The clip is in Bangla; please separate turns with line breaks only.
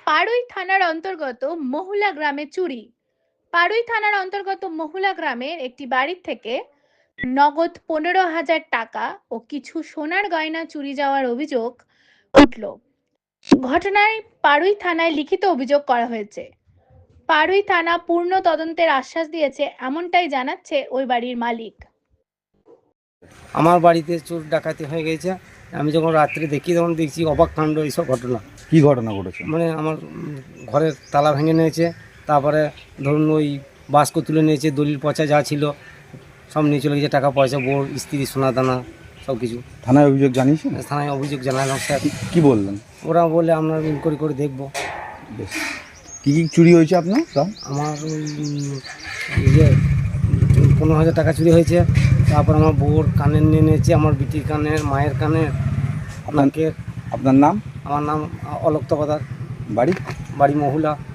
পাড়ুই থানার অন্তর্গত মহুলা গ্রামে চুরি। পাড়ুই থানার অন্তর্গত মহুলা গ্রামের একটি বাড়ির থেকে নগদ 15,000 টাকা ও কিছু সোনার গয়না চুরি যাওয়ার অভিযোগ উঠল। ঘটনায় পাড়ুই থানায় লিখিত অভিযোগ করা হয়েছে। পাড়ুই থানা পূর্ণ তদন্তের আশ্বাস দিয়েছে, এমনটাই জানাচ্ছে ওই বাড়ির মালিক।
আমার বাড়িতে চোর ডাকাতি হয়ে গেছে। আমি যখন রাত্রে দেখি তখন দেখছি অবাক কাণ্ড এইসব ঘটনা।
কি ঘটনা ঘটেছে?
মানে আমার ঘরের তালা ভেঙে নিয়েছে, তারপরে ধরুন ওই বাস্ক তুলে নিয়েছে, দলিল পচা যা ছিল সব নিয়ে চলে গেছে, টাকা পয়সা, বোর স্ত্রী, সোনা দানা সব কিছু।
থানায় অভিযোগ জানিয়েছেন?
থানায় অভিযোগ জানালাম স্যার।
কি বললেন?
ওরা বলে আমরা ইনকোয়ারি করে দেখবো।
বেশ। কী কী চুরি হয়েছে আপনার?
আমার ইয়ে 15,000 টাকা চুরি হয়েছে। তারপর আমার বউর কানের নিয়ে নিয়েছে, আমার বিটির কানের, মায়ের কানের, নাকের।
আপনার নাম?
আমার নাম অলোক তকদার,
বাড়ি?
বাড়ি মহুলা।